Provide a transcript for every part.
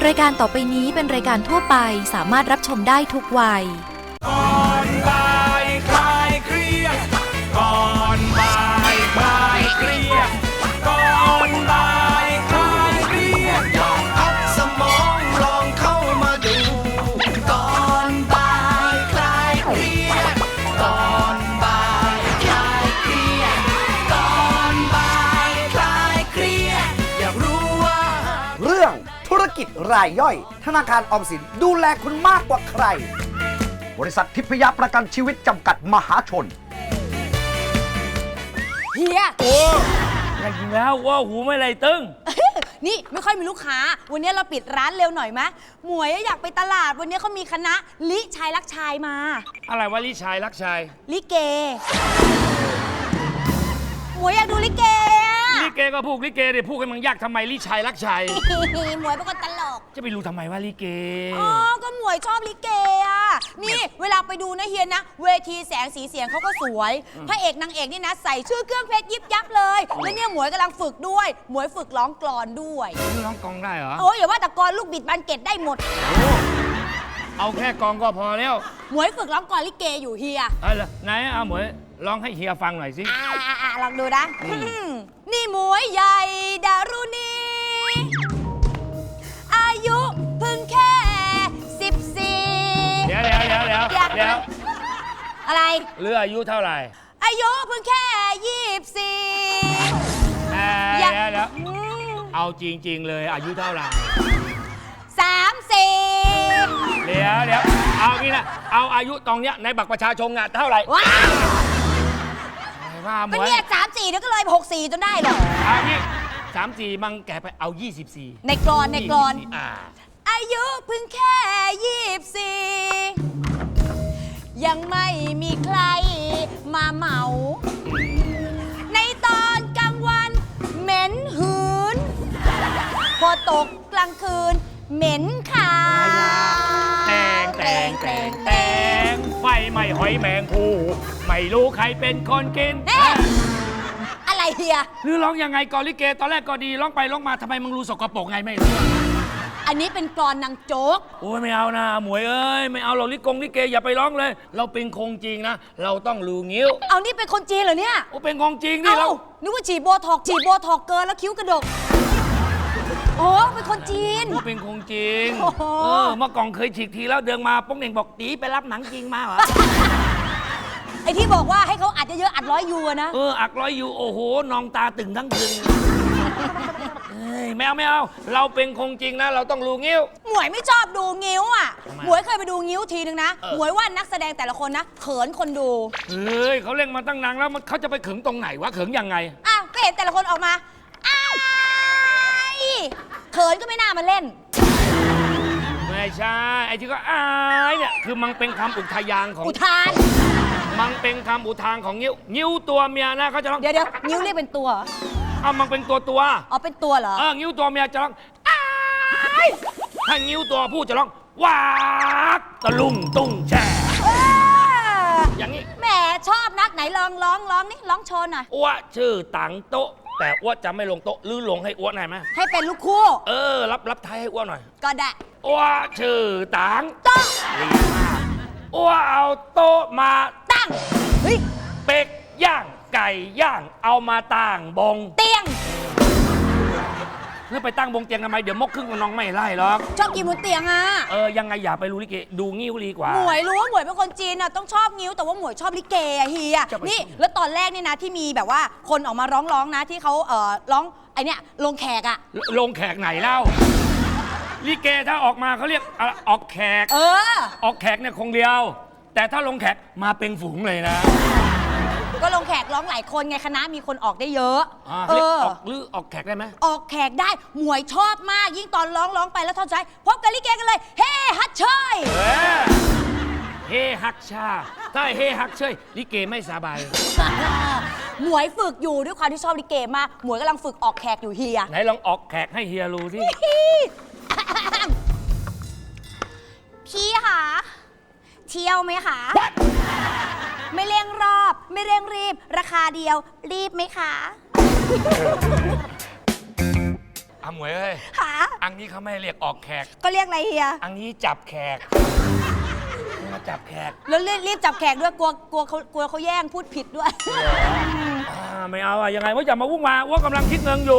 รายการต่อไปนี้เป็นรายการทั่วไปสามารถรับชมได้ทุกวัยก่อนบ่ายคลายเครียดก่อนบ่ายคลายเครียดก่อนบ่ายคลายเครียดลองพักสมองลองเข้ามาดูก่อนบ่ายคลายเครียดก่อนบ่ายคลายเครียดก่อนบ่ายคลายเครียดอยากรู้ว่าเรื่องธุรกิจรายย่อยธนาคารออมสินดูแลคุณมากกว่าใครบริษัททิพยประกันชีวิตจำกัดมหาชนเฮียโอ้จริงแล้วว่าหูไม่ไรตึงนี่ไม่ค่อยมีลูกค้าวันนี้เราปิดร้านเร็วหน่อยไหมหมวยอยากไปตลาดวันนี้เขามีคณะลิชายรักชายมาอะไรวะลิชายรักชายลิเกหมวยอยากดูลิเกลิเกก็พูดลิเกเดี๋ยวพูดกันมันยากทำไมลิชายรักชายหมวยเป็นคนตลกจะไปรู้ทำไมว่าลิเกอ๋อก็หมวยชอบลิเกอ่ะนี่เวลาไปดูนะเฮียนะเวทีแสงสีเสียงเขาก็สวยพระเอกนางเอกนี่นะใส่ชื่อเครื่องเพชรยิบยับเลยแล้วเนี่ยหมวยกำลังฝึกด้วยหมวยฝึกร้องกลอนด้วยร้องกลองได้เหรอโอ้ยอย่าว่าแต่กลอนลูกบิดบานเกตได้หมดเอาแค่กลองก็พอแล้วหมวยฝึกร้องกลอนลิเกอยู่เฮียอะไรไหนเอาหมวยร้องให้เฮียฟังหน่อยสิลองดูนะนี่หมวยใหญ่ดารุณีอายุเพิ่งแค่14 เดี๋ยวอะไรหรืออายุเท่าไหร่อายุเพิ่งแค่24 เดี๋ยวเอาจริงๆเลยอายุเท่าไหร่ 34 เดี๋ยวเอางี้นะเอาอายุตรงเนี้ยในบัตรประชาชนอ่ะเท่าไหร่ว้าวเป็นเนี่ย34แล้วก็เลย64จนได้เหรอเอางี้34มังแกไปเอา24 ในกรอนอายุเพิ่งแค่24ยังไม่มีใครมาเหมาในตอนกลางวันเหม็นหืนพอตกกลางคืนเหม็นขาแตงไฟไหม้หอยแมงภูไม่รู้ใครเป็นคนกินอะไรเฮียหรือร้องยังไงก่อนลิเกตอนแรกก็ดีร้องไปร้องมาทำไมมึงรู้สกปรกไงไม่รู้อันนี้เป็นกลอนนางโจ๊กโอ้ยไม่เอานะหมวยเอ้ยไม่เอาเราลิเกอย่าไปร้องเลยเราเป็นคงจริงนะเราต้องรู้งิ้วเอานี่เป็นคนจีนเหรอเนี่ยโอ้เป็นคงจริงนี่เรานึกว่าฉีดโบท็อกเกินแล้วคิ้วกระดกโอ้เป็นคนจีนเป็นคงจริงเมื่อก่อนเคยฉีกทีแล้วเดินมาป้องเน่งบอกตีไปรับหนังจริงมาเหรอไอที่บอกว่าให้เขาอัดเยอะๆอัด100 ยูนะอัด100 ยูโอ้โหนองตาตึงทั้งคืนไม่เอาเราเป็นคงจริงนะเราต้องรู้งิ้วหมวยไม่ชอบดูงิ้วอ่ะหมวยเคยไปดูงิ้วทีนึงนะหมวยว่านักแสดงแต่ละคนนะเขินคนดูเขาเล่นมาตั้งนานแล้วเขาจะไปเขิงตรงไหนวะเขิงยังไงก็เห็นแต่ละคนออกมาเขินก็ไม่น่ามาเล่นไม่ใช่ไอ้ที่ก็อายเนี่ยคือมันเป็นคำอุทานของอุทานมันเป็นคำอุทานของงิ้วตัวเมียนะเขาจะร้องเดี๋ยวงิ้วเรียกเป็นตัวมันเป็นตัวอ๋อเป็นตัวเหรองิ้วตัวเมียจะร้องอ้ายถ้างิ้วตัวผู้จะร้องวากตะลุ่มตุ้งแช่อย่างนี้แหมชอบนักไหนลองนี่ร้องโชว์หน่อยอ้วชื่อตังโต๊ะแต่อ้วจะไม่ลงโต๊ะหรือลงให้อ้วหน่อยไหมให้เป็นลูกคู่รับท้ายให้อ้วหน่อยก็ได้อ้วชื่อตังโต๊ะอ้วเอาโต๊ะมาตั้งเป็ดย่างไก่ย่างเอามาตั้งบงเตียงเพื่อไปตั้งบงเตียงทำไมเดี๋ยวมกครึ่งน้องไม่ไล่หรอกชอบกินบนเตียงยังไงอย่าไปรู้ลิเกดูงิ้วดีกว่าหมวยรู้ว่าหมวยเป็นคนจีนต้องชอบงิ้วแต่ว่าหมวยชอบลิเกเฮียนี่แล้วตอนแรกนี่นะที่มีแบบว่าคนออกมาร้องนะที่เขาร้องไอเนี้ยลงแขกลงแขกไหนเล่าลิเกถ้าออกมาเขาเรียกออกแขกออกแขกเนี่ยคงเดียวแต่ถ้าลงแขกมาเป็นฝูงเลยนะก็ลงแขกร้องหลายคนไงคณะมีคนออกได้เยอะออกแขกได้ไหมออกแขกได้หมวยชอบมากยิ่งตอนร้องไปแล้วท่อนใจพบกันลิเกกันเลยเฮ้ฮัทเชยเฮ้ฮักชาถ้าเฮ้ฮักเชยลิเกไม่สบายหมวยฝึกอยู่ด้วยความที่ชอบลิเกมากหมวยกำลังฝึกออกแขกอยู่เฮียไหนลองออกแขกให้เฮียรู้สิพี่คะเที่ยวไหมคะไม่เร่งรอบไม่เร่งรีบราคาเดียวรีบไหมคะหมวยเอ้ยอันนี้เขาไม่เรียกออกแขกก็เรียกอะไรเฮียอันนี้จับแขกมาจับแขกแล้วรีบจับแขกด้วยกลัวเขาแย่งพูดผิดด้วยไม่เอาอะยังไงว่าอย่ามาวุ่นวายว่ากำลังคิดเงินอยู่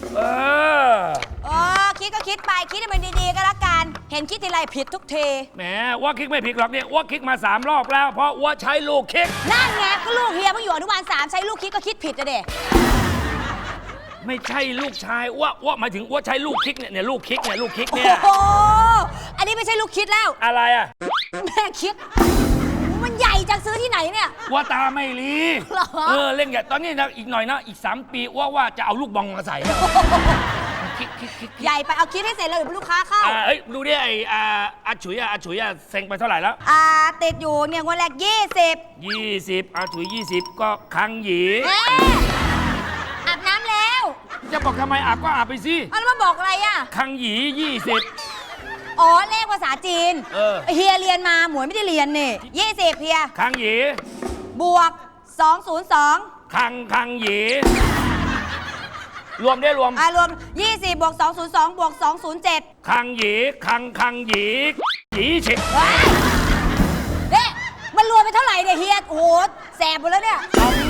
คิดก็คิดไปคิดให้มันดีๆก็แล้วกัน เห็นคิดทีไรผิดทุกทีแหมว่าคิกไม่ผิดหรอกเนี่ยว่าคิกมา3 รอบแล้ว เพราะว่าใช้ลูกคิกนั่นไงก็ลูกเฮียเพิ่งอยู่อนุบาล3ใช้ลูกคิดก็คิดผิดอะเด็ไม่ใช่ลูกชายว่าหมายถึงว่าใช้ลูกคิกเนี่ยลูกคิกเนี่ยลูกคิกโอ้เนี่ยโหอันนี้ไม่ใช่ลูกคิดแล้วอะไรอะแม่คิด มันใหญ่จังซื้อที่ไหนเนี่ยว่าตาไม่รีเหรอเล่นอย่างตอนนี้นะอีกหน่อยนะอีก3 ปีว่าจะเอาลูกบอลมาใส่แล้วคิกใหญ่ไปเอาคิดให้เสร็จเลยเดี๋ยวลูกค้าเข้าเฮ้ยดูดิไอ้อาฉุยเซ็งไปเท่าไหร่แล้วติดอยู่เนี่ยงวดแรก20 20อาฉุย20 ก็คังหยีแม่อาบน้ำแล้วจะบอกทำไมอาบก็อาบไปสิเอาแล้วมาบอกอะไรอ่ะคังหยี20 อ๋อเลขภาษาจีนเเฮียเรียนมาหมวยไม่ได้เรียนนี่20เฮียคังหยีบวก202 คังหยีรวมได้รวมรวม20บวก202บวก207 คังหยีคังหยีหยีฉิบว้ายเด้มันรวมไปเท่าไหร่เนี่ยเฮียโอ้โหแสบหมดแล้วเนี่ย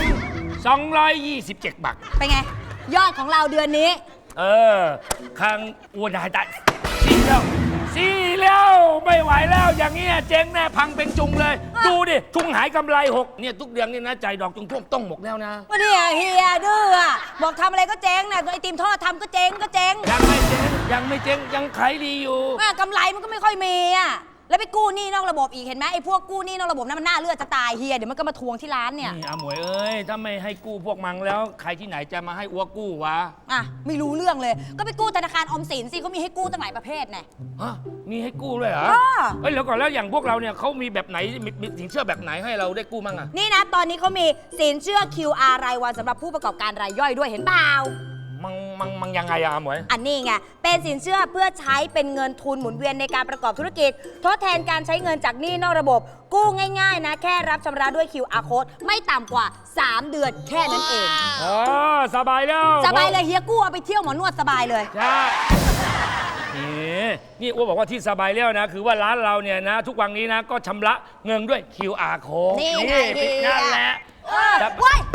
227 บาทเป็นไง ยอดของเราเดือนนี้คังอ้วนได้สี่แล้วไม่ไหวแล้วอย่างเงี้ยเจ๊งแน่พังเป็นจุงเลย ดูดิทุงหายกำไร6เนี่ยทุกเดือนนี่นะใจดอกจงท่วมต้องหมกแล้วนะวันนี้เฮียดื้ออะบอกทำอะไรก็เจ๊งนะไอติมทอดทำก็เจ๊งยังไม่เจ๊งยังขายดีอยู่กำไรมันก็ไม่ค่อยมีอะแล้วไปกู้หนี้นอกระบบอีกเห็นไหมไอ้พวกกู้หนี้นอกระบบนั้นมันน่าเลือดจะตายเฮียเดี๋ยวมันก็มาทวงที่ร้านเนี่ยนี่อาหมวยเอ้ยถ้าไม่ให้กู้พวกมังแล้วใครที่ไหนจะมาให้อ้วกกู้วะไม่รู้เรื่องเลย ก็ไปกู้ธนาคารออมสินสิเขามีให้กู้ตั้งหลายประเภทไงฮะมีให้กู้เลยเหรอ เฮ้ยแล้วก่อนแล้วอย่างพวกเราเนี่ยเขามีแบบไหนมีสินเชื่อแบบไหนให้เราได้กู้มั่งอะนี่นะตอนนี้เขามีสินเชื่อ QR รายวันสำหรับผู้ประกอบการรายย่อยด้วยเห็นเปล่ามังยังไงอะอาหมวยอันนี้ไง เป็นสินเชื่อเพื่อใช้เป็นเงินทุนหมุนเวียนในการประกอบธุรกิจ ทดแทนการใช้เงินจากหนี้นอกระบบ กู้ง่ายๆนะ แค่รับชำระด้วย QR code ไม่ต่ำกว่า 3 เดือนแค่นั้นเองอ๋อสบายแล้วสบายเลยเฮียกู้เอาไปเที่ยวหมอนวดสบายเลยใช่นี่อ้วบอกว่าที่สบายแล้วนะ คือว่าร้านเราเนี่ยนะ ทุกวันนี้นะก็ชำระเงินด้วย QR code นี่ไงนั่นแหละว้าย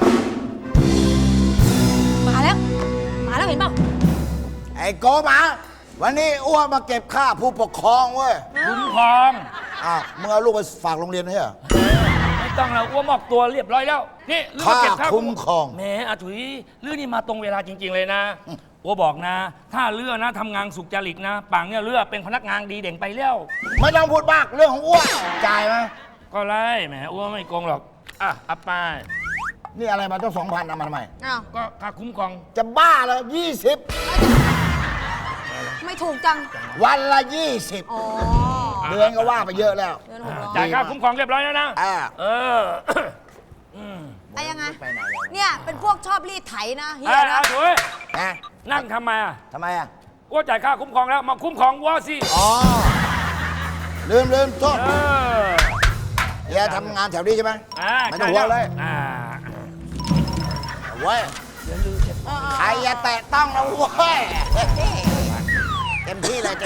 มาแล้วเห็นเปล่าไอ้โกหมา วันนี้อ้วนมาเก็บค่าผู้ปกครองเว้ยคุ้มครองมึงเอาลูกไปฝากโรงเรียนให้เหรอไม่ต้องแล้วอ้วมอบตัวเรียบร้อยแล้ว นี่เรื่องเก็บค่าคุ้มครองแหมอาถุยเรื่องนี้มาตรงเวลาจริง ๆ เลยนะอ้วบอกนะ ถ้าเลือกนะทำงานสุจริตนะปังเนี่ยเลือกเป็นพนักงานดีเด่นไปแล้วไม่ต้องพูดมากเรื่องของอ้วนจ่ายไหมก็ไล่แหมอ้วไม่โกงหรอกอัปไปนี่อะไรมาต้อง2,000เอามาทำไมก็ค่าคุ้มครองจะบ้าเหรอ20 ไม่ถูกจังวันละอ๋อ 20 เดือนก็ว่าไปเยอะแล้วเดือน600 จ่ายค่าคุ้มครองเรียบร้อยแล้วนะไอ้ยังไงไปไหนแล้วเนี่ยเป็นพวกชอบรีดไถนะเฮียอานะถุยนะนั่งทำไมอ่ะทำไมอ่ะอ้วจ่ายค่าคุ้มครองแล้วมาคุ้มครองอ้วสิอ๋อ ลืมโทษเออเฮียทำงานแถวนี้ใช่ไหมไม่ต้องห่วงเลย เว้ยใครอย่าแตะต้องนะเว้ยเต็มที่เลย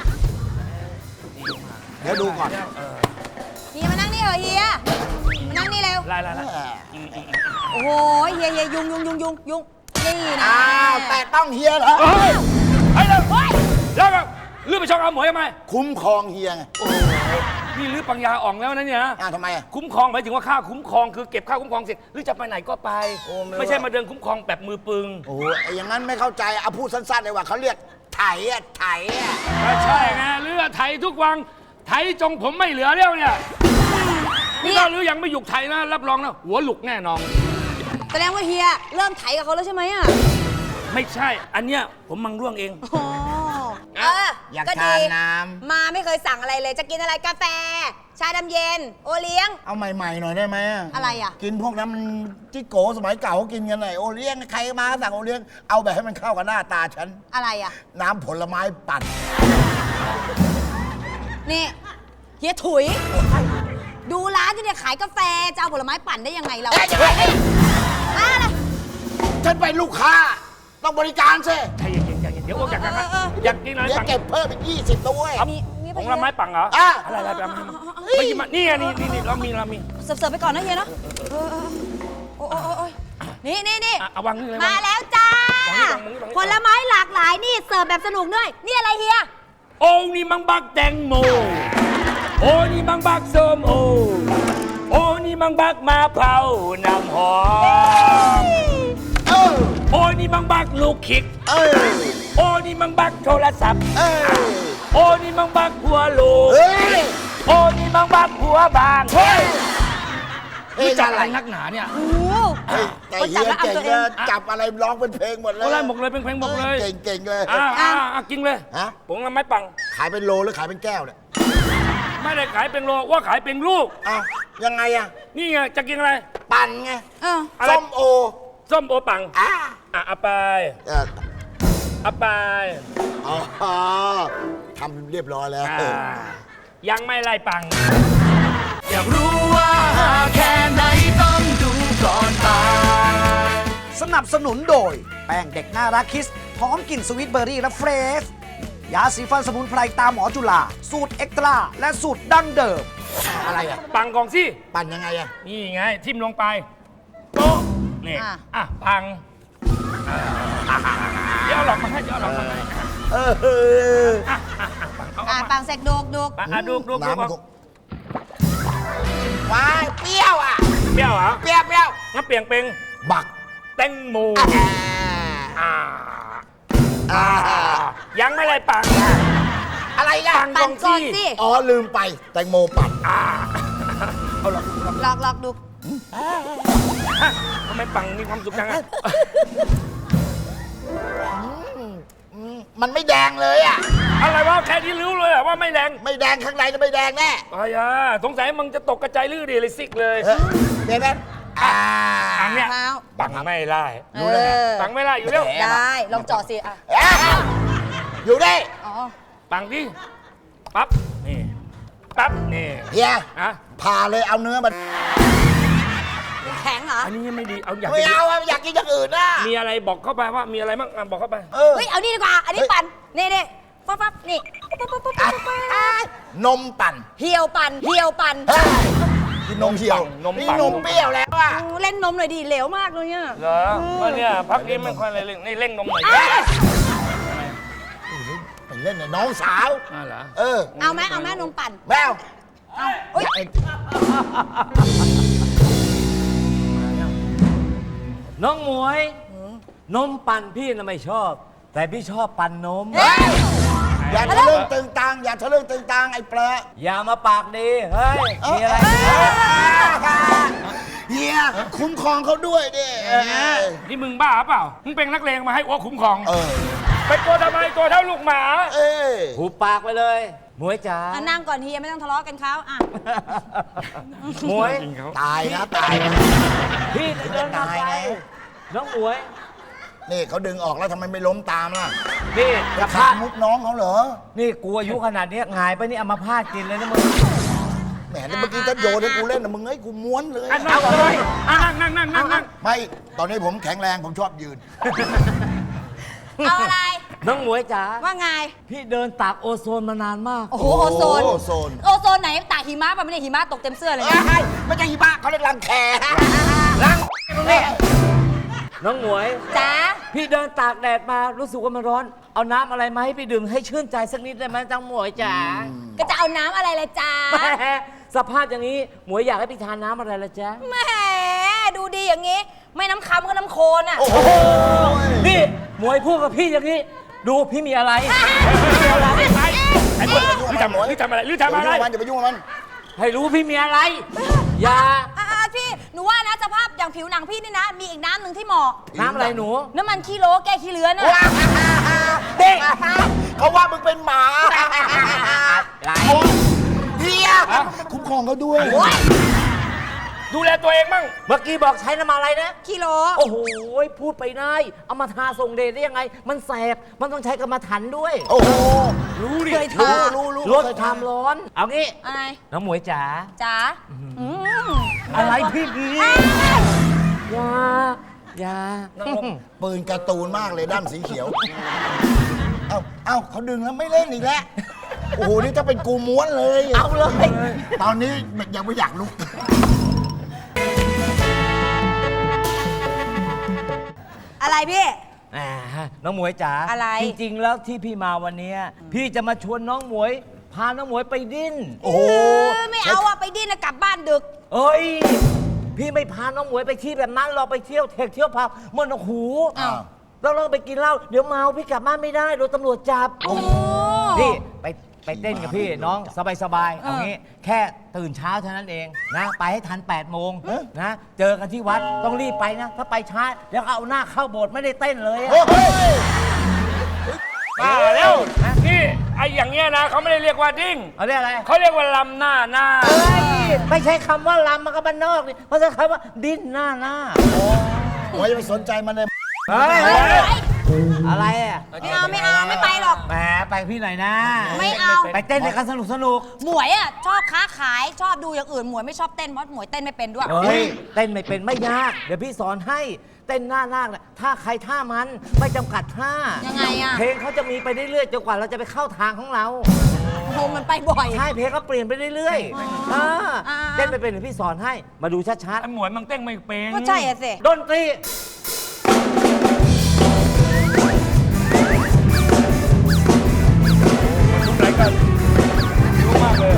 เดี๋ยวดูก่อนเฮียมานั่งนี่เหรอเฮียมานั่งนี่เร็วไล่โอ้โหเฮียยุงนี่นะอ้าวแตะต้องเฮียเหรอเฮ้ยไปเลยแล้วก็ลื้อไปช่องอาหมวยทำไมคุ้มครองเฮียไงนี่ลื้อปัญญาอ่องแล้วนะเนี่ยทำไมอ่ะคุ้มครองหมายถึงว่าค่าคุ้มครองคือเก็บค่าคุ้มครองเสร็จหรือจะไปไหนก็ไป ไม่ใช่มาเดินคุ้มครองแบบมือปึงโอ้โหอย่างนั้นไม่เข้าใจเอาพูดสั้นๆเลยว่าเขาเรียกไถอ่ะก็ใช่ไงเลือไถทุกวันไถจงผมไม่เหลือแล้วเนี่ยนี่ถ้าลื้อยังไม่หยุกไถนะรับรองนะหัวหลุกแน่นอนแสดงว่าเฮียเริ่มไถกับเขาแล้วใช่ไหมอ่ะไม่ใช่ อันเนี้ยผมมังร่วงเองอยากก็ทาดีนน้มาไม่เคยสั่งอะไรเลยจะกินอะไรกาแฟ ชาดำเย็น โอเลี้ยงำเอาใหม่ๆหน่อยได้ไหมอะไรอ่ะกินพวกนั้นมันจิโกสมัยเก่าเขากินกันไหนโอเลี้ยงใครมาก็สั่งโอเลี้ยงเอาแบบให้มันเข้ากับหน้าตาฉันอะไรอ่ะน้ำผลไม้ปั่นนี่เฮียถุย ดูร้านที่เนี่ยขายกาแฟจะเอาผลไม้ปั่นได้ยังไงเราฉันเป็นลูกค้า ต้องบริการสิใจเย็นๆเดี๋ยวอ้วกจากกันนะอยากกินอะไรเดี๋ยวปังเก็บเพิ่มอีก20ตัวเว้ยมีของละไม้ปังเหรออ่ะอะไรไปมาไปกินมานี่ไงนี่เรามีเสิร์ฟไปก่อนนะเฮียเนาะโอ้ยนี่อ่ะเอาวางนี่เลยมาแล้วจ้าวางนี่วางนี่วางนี่ผลไม้หลากหลายนี่เสิร์ฟแบบสนุกด้วยนี่อะไรเฮียโอ้นี่มังบักแตงโมโอ้นี่มังบักส้มโอโอ้นี่มังบักมะพร้าวน้ำหอมเออโอ้นี่มังบักลูกคิกเออโอ้นี่มังบักโทรศัพท์เออโอ้นี่มังบักหัวโลเฮ้ยโอ้นี่มังบักหัวบางเฮ้ยเฮ้ยรู้จักอะไรนักหนาเนี่ยโอ้เฮ้ยแต่เฮียเก่งนะจับอะไรร้องเป็นเพลงหมดเลยโอ้ไล่หมกเลยเป็นเพลงหมกเลยเก่งเลยกินเลยฮะผงละไม้ปังขายเป็นโลหรือขายเป็นแก้วเนี่ยไม่ได้ขายเป็นโลว่าขายเป็นลูกอ้าวยังไงอะนี่ไงจะกินอะไรปั่นไงอะไรส้มโอส้มโอปังอ่ะเอาไปเออเอาไปอ๋อทำเรียบร้อยแล้วยังไม่ไล่ปังอยากรู้ว่าแค่ไหนต้องดูก่อนตายสนับสนุนโดย แป้งเด็กน่ารักคิสหอมกลิ่นสวิตเบอร์รี่และเฟรชยาสีฟันสมุนไพรตามหมอจุฬาสูตรเอ็กตร้าและสูตรดั้งเดิมอะไรอะปังกองสิปั่นยังไงอะนี่ไง ทิ่มลงไปโป๊ะนี่ปังเดี๋ยวเอาหลอกมาให้เดี๋ยวเอาหลอกมาให้เออปังเสกโดกดูน้ำมันคงว้ายเปรี้ยวอ่ะเปรี้ยวเหรอเปรี้ยวงั้นเปลี่ยนเป็นบักแตงโมอ่ายังไม่ไล่ปังอะไรล่ะปังปั่นก่อนสิอ๋อลืมไปแตงโมปั่นเอาหลอกลอกดูทำไมปังมีความสุขจังอะมันไม่แดงเลยอ่ะอะไรวะแค่ที่รู้เลยอะว่าไม่แรงไม่แดงข้างในจะไม่แดงแน่อะไรอะสงสัยมึงจะตกกระจายลื่นดิเลยซิกเลยเดี๋ยวนะปังเนี่ยเท้าปังไม่ไล่ ปังไม่ไล่อยู่แล้วได้ลองเจาะสิอ่ะอยู่ได้อ๋อปังดิปั๊บนี่ปั๊บนี่เฮียอะผ่าเลยเอาเนื้อมันแข็งเหรออันนี้ยังไม่ดีเอาอยากไม่เอาอะอยากกินอย่างอื่นนะมีอะไรบอกเข้าไปว่ามีอะไรบ้างบอกเข้าไปเฮ้ยเอานี่ดีกว่าอันนี้ปั่นนี่ปั๊บนี่นมปั่นเหี่ยวปั่นกินนมเหี่ยวนมนี่ปั่นนมเปรี้ยวแล้วอ่ะเล่นนมหน่อยดิเหลวมากเลยเนี่ยเหรอว่าเนี่ยพักนี้ไม่ค่อยอะไรเร่งนี่เร่งนมหน่อยไปเล่นกับน้องสาวเหรอเอาไหมนมปั่นแมวอุ๊ยน้องหมวย นมปั่นพี่น่ะไม่ชอบ แต่พี่ชอบปั่นนมอย่าทะลึ่งตึงตังอย่าทะลึ่งตึงตังไอ้เปรอะอย่ามาปากดี เฮ้ย มีอะไรเฮียคุ้มครองเขาด้วยดินี่มึงบ้าเปล่ามึงเป็นนักเลงมาให้อ้วกคุ้มครองเออไปตัวทำไมตัวเท่าลูกหมาเอ้ยหูปากไปเลย หมวยจ๋านั่งก่อนเฮียไม่ต้องทะเลาะกันเขาอ่ะหมวยตายนะตายนะพี่เดินมาตายไปไงน้องหมวยนี่เขาดึงออกแล้วทำไมไม่ล้มตามล่ะพี่จะฆ่ามุกน้องเขาเหรอนี่กูอายุขนาดนี้หงายไปนี่เอามาพาดกินเลยนะมึงแหมเมื่อกี้ถ้าโยนให้กูเล่นนะมึงเอ้ยกูม้วนเลยนั่งเลยนั่งไม่ ตอนนี้ผมแข็งแรงผมชอบยืนเอาอะไรน้องหมวยจ๋าว่าไงพี่เดินตากโอโซนมานานมากโอ้โหโอโซนโอโซนโอโซนไหนตากหิมะป่ะไม่ได้หิมะตกเต็มเสื้อเลยเอ้นะยไม่ใช่หิมะเขาเรียกรังแครังนี่น้องหมวยจ๋าพี่เดินตากแดดมารู้สึกว่ามันร้อน เอาน้ำอะไรมาให้พี่ดื่มให้ชื่นใจสักนิดได้ไหมจังหมวยจ๋าก็จะเอาน้ำอะไรละจ๊ะแหมสภาพอย่างนี้หมวยอยากให้พี่ทานน้ำอะไรละจ๊ะแหมดูดีอย่างงี้ ไม่น้ำคำก็น้ำโคลนอ่ะโอ้โหนี่หมวยพูดกับพี่อย่างนี้ ดูพี่มีอะไรไอ้คนลือทำอะไรอย่าไปยุ่งกับมันให้รู้พี่มีอะไร อย่าพี่หนูว่านะสภาพอย่างผิวหนังพี่นี่นะ มีอีกน้ำหนึ่งที่เหมาะน้ำอะไรหนูน้ำมันขี้โลแก้ขี้เลื้อนน่ะเด็กเขาว่ามึงเป็นหมาเฮียคุ้มครองเขาด้วยดูแลตัวเองบ้างเมื่อกี้บอกใช้น้ำมันอะไรนะขี้โลโอ้โห พูดไปได้ เอามาทาส่งเดชได้ยังไง มันแสบ มันต้องใช้กรรมฐานด้วยโอ้โหรู้ดิเคยทาลดความร้อน เอางี้อะไรน้องหมวยจ๋าจ๋าอะไรพี่ดีอย่า อย่าปืนการ์ตูนมากเลยด้านสีเขียว เอ้าเอ้าเขาดึงแล้วไม่เล่นอีกแล้ว โอ้โห นี่ถ้าเป็นกูม้วนเลยเอาเลยตอนนี้ยังไม่อยากลุกอะไรพี่แหมน้องหมวยจ๋าอะไรจริงๆ แล้วที่พี่มาวันเนี้ยพี่จะมาชวนน้องหมวย พาน้องหมวยไปดิ้นโอ้โหไม่เอาอะไปดิ้นนะกลับบ้านดึกเอ้ย พี่ไม่พาน้องหมวยไปที่แบบนั้นเราไปเที่ยวเทคเที่ยวผับมันโอ้โหอ้าวเราไปกินเหล้าเดี๋ยวเมาพี่กลับบ้านไม่ได้โดนตำรวจจับโอ้พี่ไปเต้นกับพี่น้องสบายๆเอางี้แค่ตื่นเช้าเท่านั้นเองนะ ไปให้ทัน8 โมงนะ เจอกันที่วัดต้องรีบไปนะ ถ้าไปช้าเดี๋ยวเอาหน้าเข้าโบสถ์ไม่ได้เต้นเลยอะโอ้โหมาแล้วนี่ไอ้อย่างเงี้ยนะเขาไม่ได้เรียกว่าดิ้งเอาเรียกอะไรเขาเรียกว่าลำหน้าเฮ้ยไม่ใช่คำว่าลำมันก็บ้านนอกนี่เพราะใช้คำว่าดิ้นหน้าโอ้ยไม่สนใจมันเลยเฮ้ยเฮ้ยอะไรอ่ะไม่เอาไม่ไปหรอกแหมไปพี่หน่อยนะไม่เอาไปเต้นในกันสนุกหมวยอะชอบค้าขายชอบดูอย่างอื่นหมวยไม่ชอบเต้นเพราะหมวยเต้นไม่เป็นด้วยเฮ้ยเต้นไม่เป็นไม่ยาก เดี๋ยวพี่สอนให้เต้นหน้านาคน่ะท่าใครท่ามันไม่จำกัดท่ายังไงอะเพลงเขาจะมีไปเรื่อยๆจนกว่าเราจะไปเข้าทางของเราโหมันไปบ่อยใช่เพลงก็เปลี่ยนไปเรื่อยๆเต้นไปเป็นเดี๋ยวพี่สอนให้มาดูชัดไอ้หมวยมันเต้นไม่เป็นก็ใช่อะสิๆดนตรีทุกรายการรู้มากเลย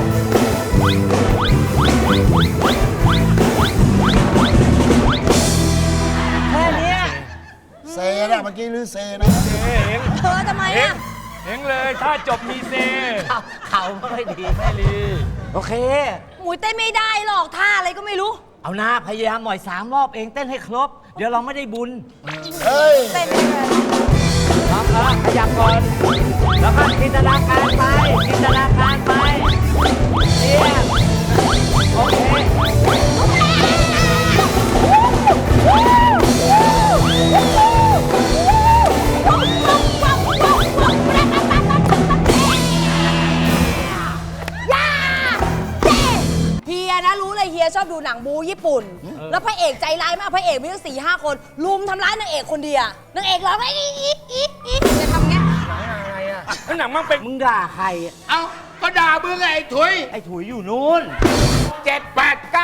แค่เนี้ยเซนะเมื่อกี้ลือเซนะเองเธอทำไมอะเองเลยถ้าจบมีเซเขาไม่ดีไม่ดี โอเคหมวยเต้นไม่ได้หรอกท่าอะไรก็ไม่รู้เอาหน้าพยายามหน่อย3 รอบเองเต้นให้ครบ เดี๋ยวเราไม่ได้บุญเฮ้ยเต้นไม่เป็นครับขยับก่อน แล้วก็จินตนาการไปจินตนาการไปเนี่ยโอเคเฮียนะรู้เลยเฮียชอบดูหนังบูญี่ปุ่น แล้วพระเอกใจร้ายมากพระเอกมีตั้ง4-5 คนลุมทำร้ายนางเอกคนเดียวนางเอกร้องไห้อีจะทำเงี้ยแล้วหนังมันเป็นมึงด่าใครอะเอ้า ก็ด่ามึงไงไอ้ถุยไอ้ถุยอยู่นู้น 7 8 9